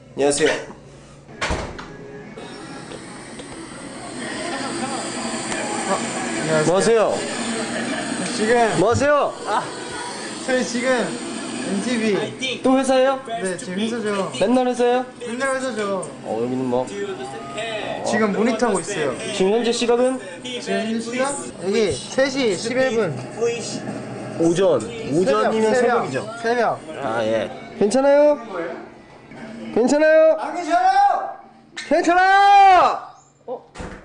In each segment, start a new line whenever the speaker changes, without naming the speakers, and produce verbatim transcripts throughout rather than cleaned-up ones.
안녕하세요.
어, 안녕하세요.
뭐 하세요?
지금
뭐 하세요?
아, 저희 지금 엠티비
또 회사예요?
네, 지금 회사죠.
맨날 회사예요?
맨날 회사죠.
어, 여기는 뭐
지금 모니터 하고 있어요.
지금 현재 시각은
지금 현재 시간? 여기 세 시 십일 분.
오전. 오전이면
새벽,
새벽이죠.
새벽.
아, 예. 괜찮아요? 괜찮아요?
안 괜찮아요?
괜찮아! 어?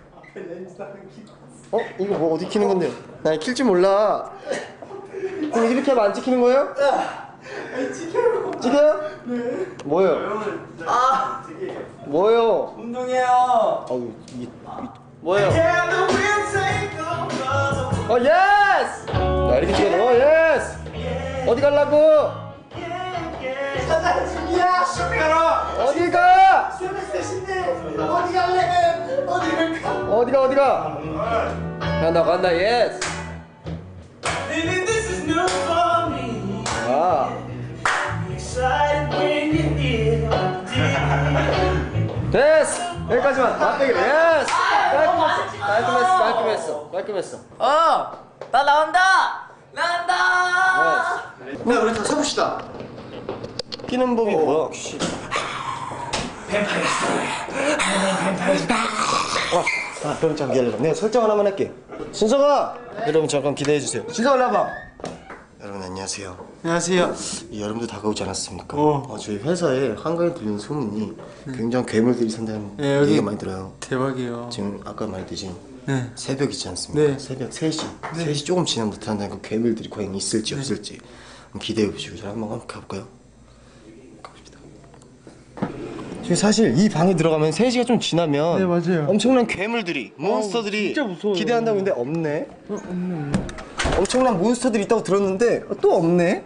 어? 이거 뭐 어디 키는 건데요? 나 킬 줄 몰라. 그럼 이렇게 하면 안 찍히는 거예요?
아니, 찍혀요.
찍혀요? 네. 뭐예요?
아,
뭐예요?
운동해요.
어우, 이게 뭐예요? 어, 예스! 나 이렇게 찍어야 돼. 어, 예스! 어디 가려고?
사장 중이야. 쇼핑하러.
어디 가?
새벽 세 시인데 어디 갈래? 어디 갈까?
어디가 어디가? 간다 간다 예스.
Baby, this is new for me.
아.
Excited when you hear.
됐어. 여기까지만. 맞대기로 예스. 깔끔했어. 깔끔했어. 깔끔했어. 깔끔했어.
어! 나 나온다! 나온다!
예스.
네, 우리 다 서봅시다.
끼는 법이 뭐야? 아, 그럼 잠깐 기다려봐. 내가 설정 하나만 할게. 신서가! 여러분 잠깐 기대해주세요. 신서가 나와봐. 여러분 안녕하세요.
안녕하세요.
이 여름도 다가오지 않았습니까?
어.
어, 저희 회사에 한가에 들리는 소문이 굉장히 괴물들이 산다는
네, 여기-
얘기가 많이 들어요.
대박이에요.
지금 아까 말했듯이
네.
새벽이지 않습니까?
네.
새벽 세 시. 세 시 조금 지나면 나타난다니까 괴물들이 과연 있을지 없을지 한번 기대해 보시고 저희 한번 가볼까요? 가봅시다. 지금 사실 이 방에 들어가면 세 시가 좀 지나면
네, 맞아요.
엄청난 괴물들이 몬스터들이
진짜 무서워요.
기대한다고 했는데 없네.
어, 없네, 없네.
엄청난 몬스터들이 있다고 들었는데 어, 또 없네.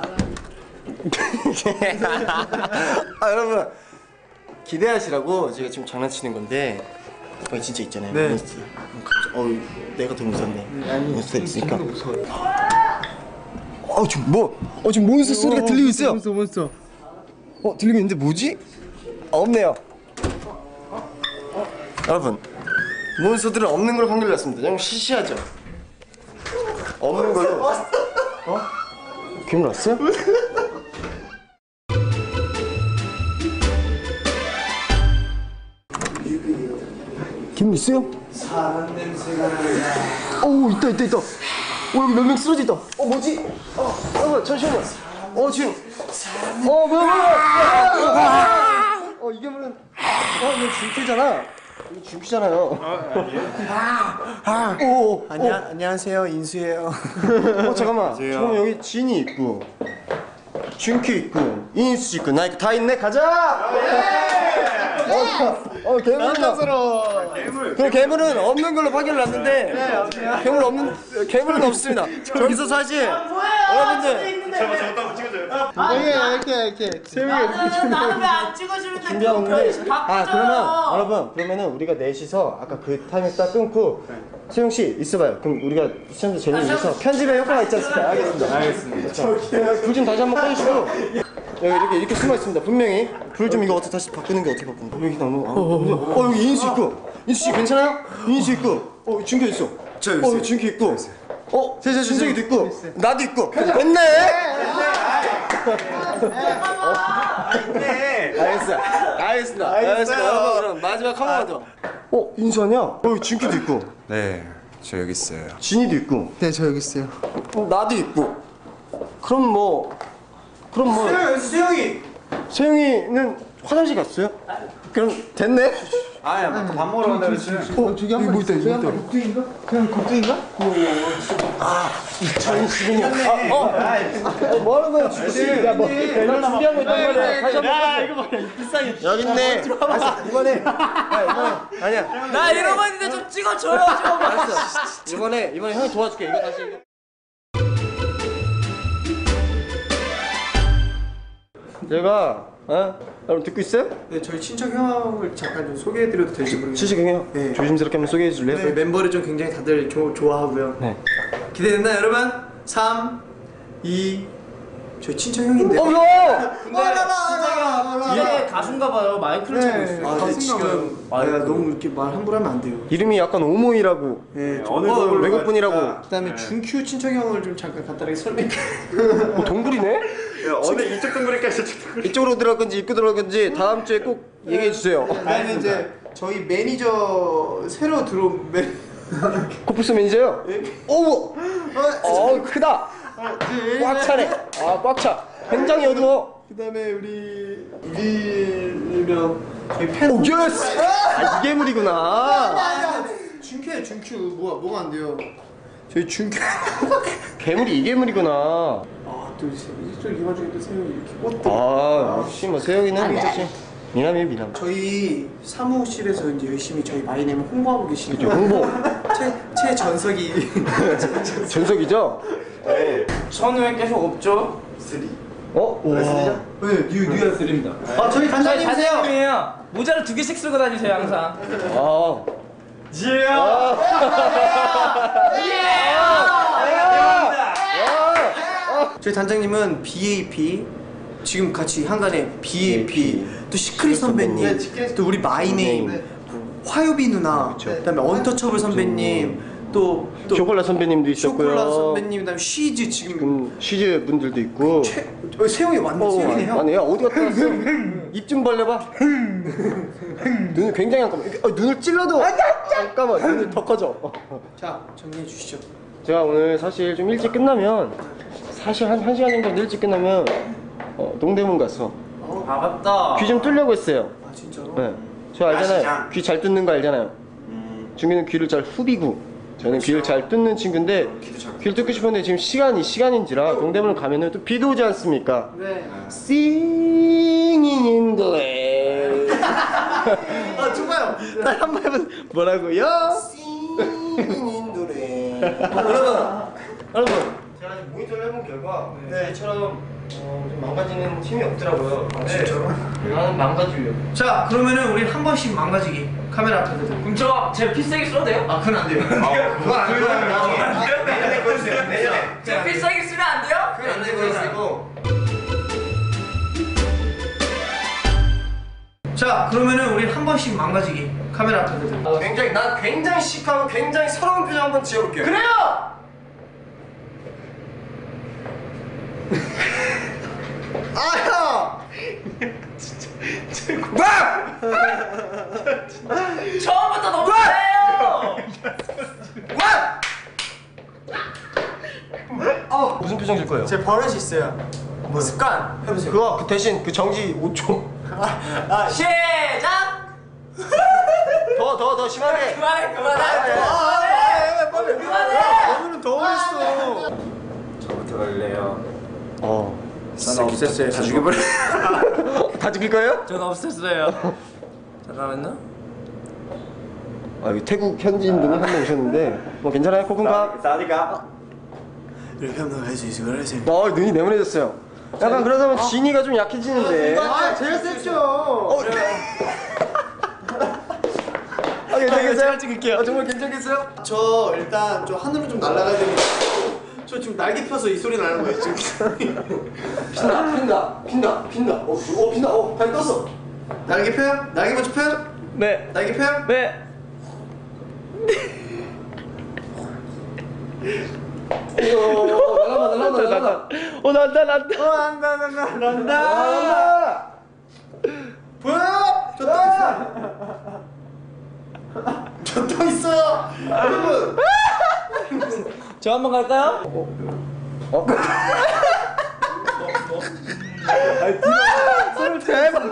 아 여러분 기대하시라고 제가 지금 장난치는 건데 거기 진짜 있잖아요.
네.
몬스터. 어 내가 더 무섭네.
아니,
몬스터 있으니까.
진짜 무서워요.
어 지금 뭐? 어 지금 몬스터 소리가
어,
들리고 있어요.
몬스터, 몬스터.
어 들리고 있는데 뭐지? 아, 없네요. 여러분 몬스터들은 없는 걸로 판결 났습니다. 그냥 시시하죠. 없는 걸로. 어? 괴물 왔어요? 괴물 있어요?
사람 냄새가 나요.
오 있다 있다 있다. 오 여기 몇 명 쓰러져 있다. 어 뭐지? 어 여러분 잠시만요. 어 지금. 어 뭐야 뭐야. 어 이게 무슨? 어 이거 줄기잖아. 이거 줄기잖아요. 아 오.
안녕, 안녕하세요. 인수예요.
어 잠깐만. 잠깐만 여기 진이 있고, 준키 있고, 인수 있고, 나 다 있네. 가자. 어, 어 괴물은
남자스러워.
그럼 괴물은 없는 걸로 판결을 났는데 괴물 없는 괴물은 없습니다. 저기서 사실 여러분들
이게 이렇게 이렇게 세 명이 이렇게
나는 왜 안 찍어주는데
준비하고 있는데 아
바쁘잖아.
그러면 여러분 그러면은 우리가 넷이서 아까 그 타임에 딱 끊고 세용 씨 있어봐요. 그럼 우리가 시청자 재미를 위해서 편집에 효과가 있지 않습니까? 알겠습니다. 알겠습니다. 불 좀 다시 한번 꺼주시고 여기 이렇게 이렇게 숨어 있습니다. 분명히 불 좀 이거 어떻게 다시 바꾸는 게 어떻게 바꾸는 거? 여기 너무 아, 어 여기 인수 있고 인수 씨 괜찮아요? 인수 있고 어 준규 있어.
저 여기 있어요.
어 준규 있고 어
저, 저, 저,
준석이도
저,
있고
있어요.
나도 있고 됐네.
네.
알겠어. 알겠습니다. 알겠습니다. 여러분 그럼 마지막 한 번만 더. 어 인수 아니야? 어 여기 준규도 있고
네, 저 여기 있어요.
진이도 있고
네, 저 여기 있어요.
어, 나도 있고. 그럼 뭐 그럼 뭐
수영이.
세영이는 화장실 갔어요? 그럼 됐네?
아야, 아까 밥 먹으러 간다 그랬지.
어, 저기 한번 있다. 저기 한번 곡둥인가? 그냥 곡둥인가?
이천이십이 년. 아, 어. 어, 뭐 하는 거야, 지금? 야, 뭐, 내가 준비한 거 있단 말이야. 다시 한번. 야, 이거 봐. 비싸게. 여기 있네. 알았어, 이번에. 야, 이번에. 아니야.
나 이러고 있는데 좀 찍어줘요 좀.
알았어. 이번에, 이번에 형이 도와줄게. 이거 다시. 이거. 제가, 어? 여러분 듣고 있어요?
네, 저희 친척 형을 잠깐 좀 소개해드려도 될지 모르겠는데
시식형이요?
네.
조심스럽게 한번 소개해 줄래요?
저희 멤버를 좀 굉장히 다들 조, 좋아하고요.
네.
기대됐나요, 여러분? 삼, 이, 저희 친척 형인데.
어, 야!
근데 친척 형 이게
가수인가 봐요. 마이크를 차고 있어요.
아, 근데 지금 아, 야, 너무 이렇게 말 함부로 하면 안 돼요.
이름이 약간 오모이라고.
네,
어느
어,
정도로
외국분이라고.
갈까?
그다음에 준큐 친척 형을 좀 잠깐 간단하게 설명.
어, 동굴이네?
야, 어느 이쪽 동굴일까 저쪽 동굴?
이쪽으로 들어갈 건지 입구 들어갈 건지 다음 주에 꼭 얘기해 주세요.
그다음에 이제 저희 매니저 새로 들어온 매.
코프스 매니저요? 오우! 어 크다! 꽉 차네. 아 꽉 차. 굉장히 어두워.
그다음에 우리 일명 저희 팬.
오 예스! 아 이게 물이구나.
준큐 준큐 뭐가 뭐가 안 돼요? 저희 준큐.
괴물이 이게 물이구나.
아또 이쪽 이 와중에 또 세영이 이렇게 꽃도.
아 역시 뭐 세영이는 역시 미남이에요 미남.
저희 사무실에서 이제 열심히 저희 마이네임 홍보하고 계시죠.
홍보.
최 최전석이.
전석이죠?
저는 왜 계속 없죠?
어? 와.
네, 뉴 뉴.
드립니다.
아 저희
저희
단장님이세요.
단장님이에요. 모자를 두 개씩 쓰고 다니세요 항상.
아.
지혜야!
저희 단장님은 비에이피 지금 같이 한간에 비에이피 또 시크릿 선배님 또 우리 마이네임 화요비 누나 그다음에 언터처블 선배님 또 또
쇼콜라 선배님도 있었고요.
쇼콜라 선배님 그다음에 쉬즈 지금
지금 쉬즈 분들도 있고.
최 어, 세영이 완전
어,
세영이네요.
아니야 어디 갔다 왔어? 입 좀 벌려봐. 눈을 굉장히 안 감아. 어, 눈을 찔러도 안 감아. 눈이 더 커져.
자 정리해 주시죠.
제가 오늘 사실 좀 일찍 끝나면 사실 한, 한 시간 정도 일찍 끝나면 어, 동대문 가서
아 맞다.
귀 좀 뚫려고 했어요.
아 진짜로?
네. 저 알잖아요.
아시죠?
귀 잘 뜯는 거 알잖아요. 중기는 귀를 잘 후비고 저는 귀를 잘 뜯는 친구인데 귀를 뜯고 싶었는데 지금 시간이 시간인지라 동대문을 가면은 또 비도 오지 않습니까?
네.
Singing in the rain.
아 좋아요.
나 한 번 해본 뭐라고요? Singing in the rain. 여러분, 여러분, 제가 지금 모니터를 해본 결과 네. 저처럼 어, 좀 망가지는 팀이 없더라고요.
아, 진짜로?
나는 망가지려.
자 그러면은 우리 한 번씩 망가지기 카메라 앞에서.
그럼 저제 필살기 써도 돼요?
아 그건 안 돼요.
그건 안 돼요. 나중에 내년에 보여주세요. 내년에.
제 필살기 쓰면 안 돼요?
그건 안 되고 있고.
자 그러면은 우리 한 번씩 망가지기 카메라 앞에서.
어, 굉장히 난 굉장히 시크하고 굉장히 서러운 표정 한번 지어볼게요.
그래요!
아야!
처음부터 너무 잘해요!
어, 무슨 표정 질 거예요?
제 버릇이 있어요. 뭐 습관 해보세요.
그거 그 대신 그 정지 오 초.
시작!
더 더 더 심하게.
그만해 그만해
아,
그만해 그만해!
오늘은 더 어렸어.
저부터 갈래요.
어.
저는 없었어요. 다 죽여버려.
다 죽일 거예요?
전 없었어요. 잠깐만요.
아 여기 태국 현지인 분이 한 명 오셨는데 뭐 괜찮아요 코쿤가?
사디가.
이렇게 하면 할수 있을 거라 생각.
어 눈이 네모내졌어요. 약간 그러다 보면 진이가 좀 약해지는데.
아 제일 셌죠.
어, 아 괜찮겠어요?
제가 찍을게요.
아, 정말 괜찮겠어요?
저 일단 좀 하늘로 좀 날아가야 되는. 저 지금 날개 펴서 이 소리 나는 거예요 지금.
핀다 핀다 핀다 핀다. 어, 어 핀다. 어 발 떴어.
날개 펴요? 날개 먼저 펴요?
네.
날개 펴요?
네.
어 날아가 날아가 날아가.
어 난다 난다.
어 난다 난다 난다.
날아가.
보여요? 저 떠 있어요. 저 떠 있어요. 여러분.
저 한번 갈까요?
어?
손을 대박.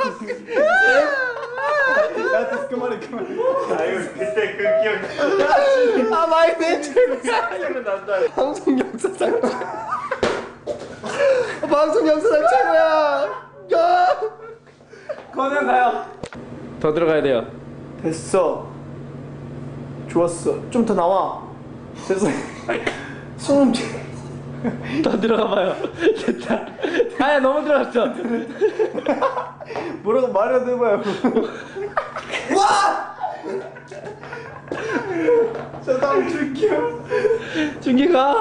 야, 그만해, 그만해. 아유, 그때 그 기억.
아 마이네 최고야. 방송 역사상 방송 역사상 최고야. 야.
거는 가요. 더 들어가야 돼요.
됐어. 좋았어. 좀 더 나와. 됐어. 손 좀.
더 들어가 봐요. 됐다. 아야 너무 들어갔어.
뭐라고 말해도 해봐요. 와! 저 다음 줄게요.
준기가.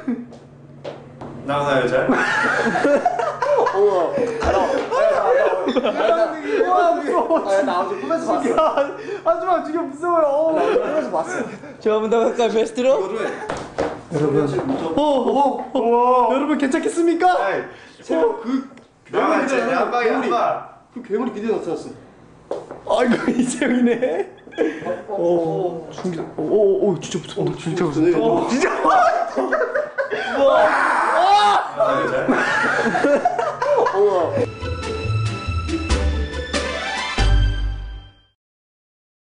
나오나요, 잘?
어머. 알아. 와 무서워. 아나 어제 꿈에서 봤어. 하지마 지금 무서워요. 나 어제 꿈에서 봤어.
저 한 번 더 갈까요 베스트로?
여러분. 오오오 여러분 괜찮겠습니까? 제발 그
나가 이제 내 안방에
괴물이
안방.
그 괴물이 기대 나타났어. 아이고 이재영이네. 오 숨기. 오오 진짜 무서워. 진짜 무서워. 진짜. 우와. 우와.